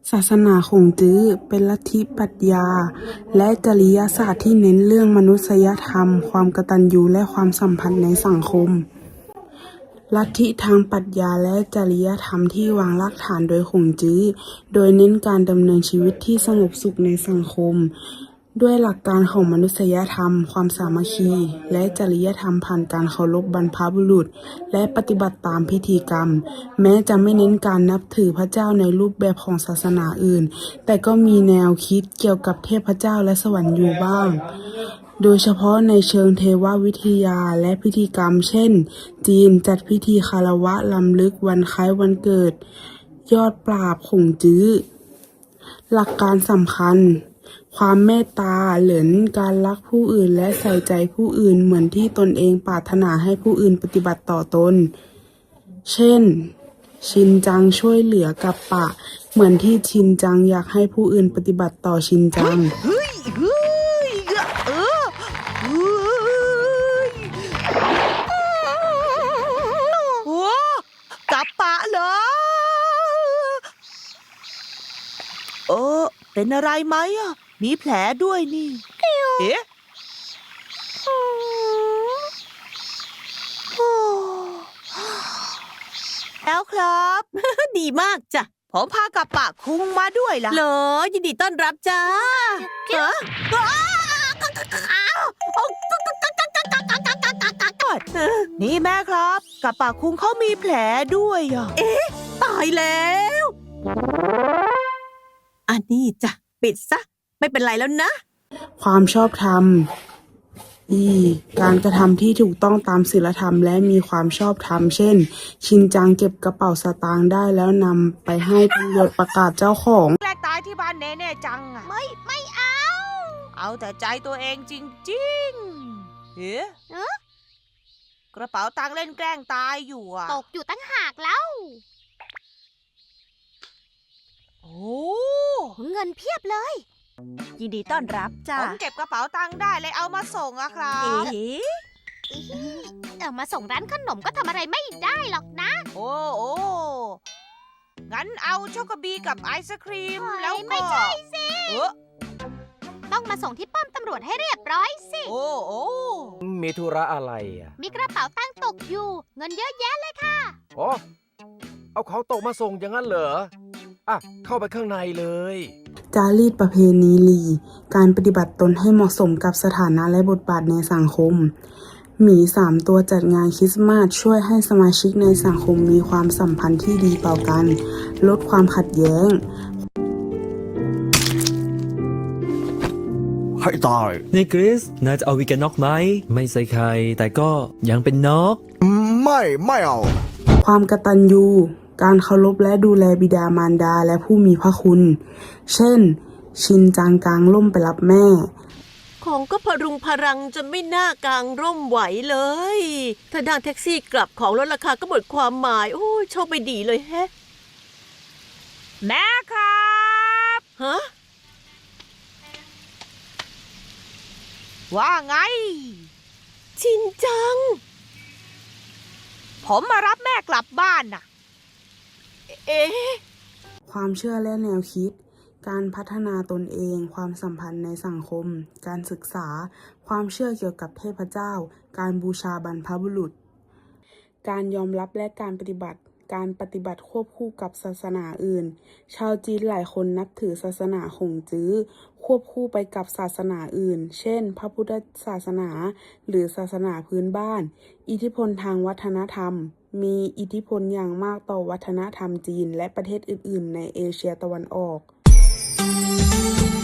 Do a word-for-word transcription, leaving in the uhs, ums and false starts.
ศาสนาขงจื้อเป็นลัทธิปรัชญาและจริยศาสตร์ที่เน้นเรื่องมนุษยธรรม ความกตัญญูและความสัมพันธ์ในสังคม ลัทธิทางปรัชญาและจริยธรรมที่วางรากฐานโดยขงจื้อ โดยเน้นการดำเนินชีวิตที่สงบสุขในสังคม ด้วยหลักการของมนุษยธรรม ความสามัคคี และจริยธรรมผ่านการเคารพบรรพบุรุษ และปฏิบัติตามพิธีกรรม แม้จะไม่เน้นการนับถือพระเจ้าในรูปแบบของศาสนาอื่น แต่ก็มีแนวคิดเกี่ยวกับเทพเจ้าและสวรรค์อยู่บ้าง โดยเฉพาะในเชิงเทววิทยาและพิธีกรรม เช่น จีนจัดพิธีคารวะรำลึกวันคล้ายวันเกิด ยอดปราบขงจื้อ หลักการสำคัญ ความเมตตาเหรินการรักผู้อื่นและใส่ใจผู้อื่นเหมือนที่ตนเองปรารถนาให้ผู้อื่นปฏิบัติต่อตน เช่น ชินจังช่วยเหลือกับปะ เหมือนที่ชินจังอยากให้ผู้อื่นปฏิบัติต่อชินจังเฮ้ยเฮ้ยเออเฮ้ยโอ้กับปะเหรอเออเป็นอะไรไหมอ่ะมีแผลด้วยนี่เอ๊ะแล้วครับดีมากจ้ะผมพากับปะคุงมาด้วยล่ะเหรอยินดีต้อนรับจ้าฮะนี่แม่ครับกับปะคุงเขามีแผลด้วยอ่ะตายแล้ว อันนี้จ้ะปิดซะ ไม่เป็นไรแล้วนะความชอบธรรม อี การกระทำที่ถูกต้องตามศีลธรรมและมีความชอบธรรม เช่น ชินจังเก็บกระเป๋าสตางค์ได้แล้วนำไปให้ตำรวจประกาศเจ้าของแกล้งตายที่บ้านเน่เน่จังอ่ะ ไม่ไม่เอา เอาแต่ใจตัวเองจริงๆเฮ้กระเป๋าตังค์เล่นแกล้งตายอยู่อ่ะตกอยู่ตั้งหากแล้วโอ้เงินเพียบเลยยินดีต้อนรับจ้าผมเก็บกระเป๋าตังค์ได้เลยเอามาส่งอะครับเอ๊ะเอามาส่งร้านขนมก็ทำอะไรไม่ได้หรอกนะโอ้โอ้งั้นเอาช็อกโกบีกับไอศครีมเฮ้ยแล้วก็ไม่ใช่สิเออต้องมาส่งที่ป้อมตำรวจให้เรียบร้อยสิโอ้โอ้มีธุระอะไรอ่ะมีกระเป๋าตังค์ตกอยู่ เงินเยอะแยะเลยค่ะอ๋อ เอาเขาตกมาส่งอย่างนั้นเหรอ อ่ะ เข้าไปข้างในเลยจารีตประเพณีลี การปฏิบัติตนให้เหมาะสมกับสถานะและบทบาทในสังคม หมีสามตัวจัดงานคริสต์มาสช่วยให้สมาชิกในสังคมมีความสัมพันธ์ที่ดีต่อกัน ลดความขัดแย้งให้ตายนี่คริสนายจะเอาวีแกนน็อกไหม ไม่ใส่ไข่แต่ก็ยังเป็นนกไม่ไม่เอาความกตัญญู การเคารพและดูแลบิดามารดาและผู้มีพระคุณ เช่น ชินจังกางร่มไปรับแม่ของก็พรุงพรังจนไม่น่ากางร่มไหวเลย ถ้านั่งแท็กซี่กลับของลดราคาก็หมดความหมาย โอ้ยโชคไม่ดีเลยแฮะแม่ครับฮะว่าไงชินจังผมมารับแม่กลับบ้านน่ะเอ๊ะความเชื่อและแนวคิด การพัฒนาตนเอง ความสัมพันธ์ในสังคม การศึกษา ความเชื่อเกี่ยวกับเทพเจ้า การบูชาบรรพบุรุษ การยอมรับและการปฏิบัติ การปฏิบัติควบคู่กับศาสนาอื่น ชาวจีนหลายคนนับถือศาสนาขงจื้อ ควบคู่ไปกับศาสนาอื่น เช่น พระพุทธศาสนา หรือศาสนาพื้นบ้าน อิทธิพลทางวัฒนธรรม มีอิทธิพลอย่างมากต่อวัฒนธรรมจีนและประเทศอื่น ๆ ในเอเชียตะวันออก